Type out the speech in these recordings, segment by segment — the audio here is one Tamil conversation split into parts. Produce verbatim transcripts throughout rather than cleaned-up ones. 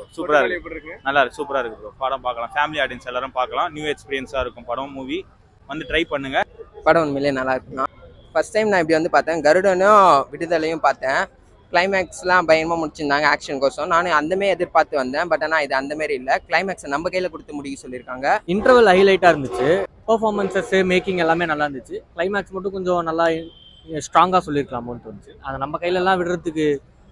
சூப்பரா இருக்கு, நல்லா இருக்கு, சூப்பரா இருக்கு ப்ரோ. படம் பார்க்கலாம், ஃபேமிலி ஆடியன்ஸ் எல்லாரும் பார்க்கலாம். நியூ எக்ஸ்பீரியன்ஸா இருக்கும் படம், மூவி வந்து ட்ரை பண்ணுங்க. படம் உண்மையிலே நல்லா இருக்குண்ணா. ஃபர்ஸ்ட் டைம் நான் இப்படி வந்து பார்த்தேன். கருடனும் விடுதலையும் பார்த்தேன். கிளைமேக்ஸ்லாம் பயங்கரமாக முடிச்சிருந்தாங்க ஆக்ஷன் கோசம். நானும் அந்தமாரி எதிர்பார்த்து வந்தேன். பட் ஆனால் இது அந்தமாரி இல்லை. கிளைமேக்ஸை நம்ம கையில் கொடுத்து முடிக்க சொல்லியிருக்காங்க. இன்டர்வல் ஹைலைட்டாக இருந்துச்சு. பெர்ஃபார்மன்ஸஸ் மேக்கிங் எல்லாமே நல்லா இருந்துச்சு. கிளைமேக்ஸ் மட்டும் கொஞ்சம் நல்லா ஸ்ட்ராங்காக சொல்லியிருக்கலாமோன்னு தோணுச்சு. அதை நம்ம கையிலலாம் விடுறதுக்கு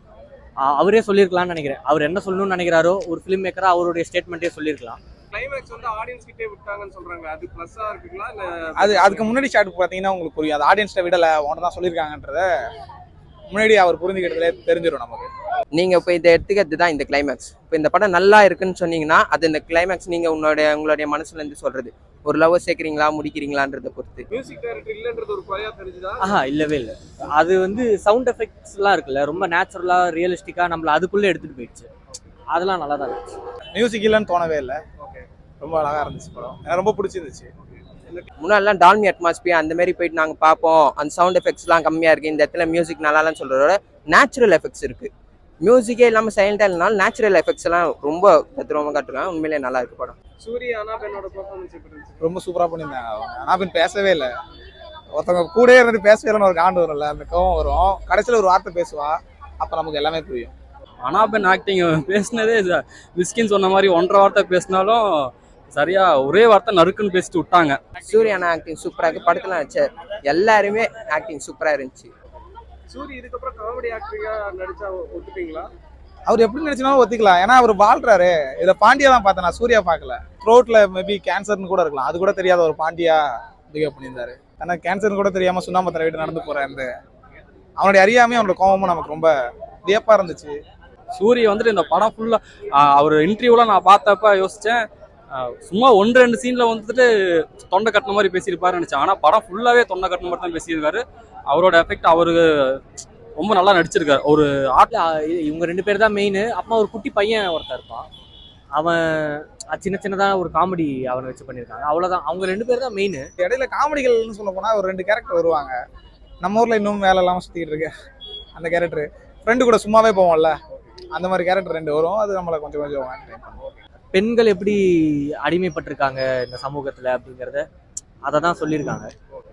அவரே சொல்லியிருக்கலாம்னு நினைக்கிறேன். அவர் என்ன சொல்லணும்னு நினைக்கிறாரோ ஒரு ஃபிலிம் மேக்கராக அவருடைய ஸ்டேட்மெண்ட்டே சொல்லியிருக்கலாம். கிளைமேக்ஸ் வந்து ஆடியன்ஸ் கிட்டே விட்டாங்கன்னு சொல்றாங்க. அது ப்ளஸ்ஸா இருக்குங்களா இல்ல அது அதுக்கு முன்னாடி ஷாட் பாத்தீங்கன்னா உங்களுக்கு புரியும். அது ஆடியன்ஸ்ட விடல, ஒன்னு தான் சொல்லியிருக்காங்கன்றத முன்னாடி அவர் புரிஞ்சுக்கிட்டதுல தெரிஞ்சிடும் நமக்கு. நீங்கள் இப்போ இதை எடுத்துக்கிறது தான் இந்த கிளைமேக்ஸ். இப்போ இந்த படம் நல்லா இருக்குன்னு சொன்னீங்கன்னா அது இந்த கிளைமேக்ஸ் நீங்கள் உங்களுடைய உங்களுடைய மனசுலேருந்து சொல்கிறது. ஒரு லவ் சேர்க்குறீங்களா முடிக்கிறீங்களான்றதை பொறுத்து. மியூசிக் டைரக்டர் இல்லன்றது ஒரு குறையா தெரிஞ்சுதா? ஆஹா, இல்லவே இல்லை. அது வந்து சவுண்ட் எஃபெக்ட்ஸ்லாம் இருக்குல்ல, ரொம்ப நேச்சுரலாக ரியலிஸ்டிக்காக நம்மளை அதுக்குள்ளே எடுத்துகிட்டு போயிடுச்சு. அதெல்லாம் நல்லா தான் இருந்துச்சு. மியூசிக் இல்லைன்னு தோணவே இல்லை. ரொம்ப அழகா இருந்துச்சு படம், எனக்கு ரொம்ப பிடிச்சிருந்துச்சு. முன்னாடிலாம் டால்மி அட்மாஸ்பியர் அந்த மாதிரி போயிட்டு நாங்கள் பார்ப்போம், அந்த சவுண்ட் எஃபெக்ட்ஸ்லாம் கம்மியாக இருக்குது, இந்த இடத்துல மியூசிக் நல்லாலாம் சொல்கிறதோட நேச்சுரல் எஃபெக்ட்ஸ் இருக்குது. மியூசிக்கே இல்லாமல் சைலண்டாக இல்லைனாலும் நேச்சுரல் எஃபெக்ட்ஸ் எல்லாம் ரொம்ப தத்ரூபமாக காட்டுறாங்க. உண்மையிலேயே நல்லா இருக்கு படம். சூரிய அனாபென்னோட பெர்ஃபார்மன்ஸ் எப்படி இருந்துச்சு? ரொம்ப சூப்பராக பண்ணியிருந்தாங்க. அவங்க அனாபென் பேசவே இல்லை. ஒருத்தவங்க கூட இருந்து பேசவே இல்லைன்னு ஒரு காண்டு வரும்ல, அந்த கோவம் வரும். கடைசியில் ஒரு வார்த்தை பேசுவா, அப்போ நமக்கு எல்லாமே புரியும். அனாபென் ஆக்டிங் பேசினதே மிஸ்கின் சொன்ன மாதிரி ஒன்றரை வார்த்தை பேசினாலும் சரியா ஒரே வார்த்தை நறுக்குன்னு பேசிட்டு விட்டாங்க. சூர்யானா ஆக்டிங் சூப்பராக இருக்குது. படத்தில் வச்ச எல்லாருமே ஆக்டிங் சூப்பராக இருந்துச்சு. சூரிய இதுக்கப்புறம் காமெடி ஆக்டரியா நடிச்சா ஒத்துப்பீங்களா? அவர் எப்படி நினைச்சாலும் ஒத்திக்கலாம், ஏன்னா அவர் வாழ்றாரு. இதை பாண்டியா தான் பார்த்தேன், நான் சூர்யா பார்க்கல. த்ரோட்ல மேபி கேன்சர்னு கூட இருக்கலாம், அது கூட தெரியாத ஒரு பாண்டியா பிகேவ் பண்ணியிருந்தாரு. ஆனால் கேன்சர்னு கூட தெரியாம சுண்ணாம்பத்திர வீட்டு நடந்து போறேன். அவனுடைய அறியாமையும் அவனோட கோபமும் நமக்கு ரொம்ப வியப்பா இருந்துச்சு. சூரிய வந்துட்டு இந்த படம் ஃபுல்லா அவர் இன்டர்வியூலாம் நான் பார்த்தப்ப யோசிச்சேன், சும்மா ஒன்று ரெண்டு சீன்ல வந்துட்டு தொண்டை கட்டின மாதிரி பேசியிருப்பாரு நினைச்சேன். ஆனால் படம் ஃபுல்லாவே தொண்டை கட்டின மாதிரி தான் பேசியிருக்காரு. அவரோட எஃபெக்ட் அவருக்கு ரொம்ப நல்லா நடிச்சிருக்காரு. ஒரு ஆட்ல இவங்க ரெண்டு பேர் தான் மெயின். அப்பா ஒரு குட்டி பையன் ஒருத்தர் இருப்பான், அவன் சின்ன சின்னதாக ஒரு காமெடி அவனை வச்சு பண்ணியிருக்காங்க, அவ்வளோதான். அவங்க ரெண்டு பேர் தான் மெயின். இடையில காமெடிகள்னு சொல்ல போனா ஒரு ரெண்டு கேரக்டர் வருவாங்க. நம்ம ஊர்ல இன்னும் வேலை இல்லாமல் சுத்திக்கிட்டு இருக்கு அந்த கேரக்டர். ஃப்ரெண்டு கூட சும்மாவே போவோம்ல, அந்த மாதிரி கேரக்டர் ரெண்டு வரும். அது நம்மளை கொஞ்சம் கொஞ்சம் பெண்கள் எப்படி அடிமைப்பட்டிருக்காங்க இந்த சமூகத்தில் அப்படிங்கிறத அதை தான் சொல்லியிருக்காங்க.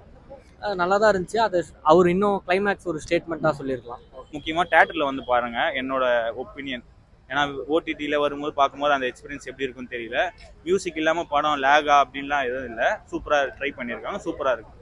நல்லா தான் இருந்துச்சு. அது அவர் இன்னும் கிளைமேக்ஸ் ஒரு ஸ்டேட்மெண்ட்டாக சொல்லியிருக்கலாம். முக்கியமாக தேட்டரில் வந்து பாருங்க, என்னோட ஒப்பீனியன். ஏன்னா ஓடிடியில் வரும்போது பார்க்கும்போது அந்த எக்ஸ்பீரியன்ஸ் எப்படி இருக்குன்னு தெரியல. மியூசிக் இல்லாமல் படம் லேகா அப்படின்லாம் எதுவும் இல்லை. சூப்பராக ட்ரை பண்ணியிருக்காங்க, சூப்பராக இருக்குது.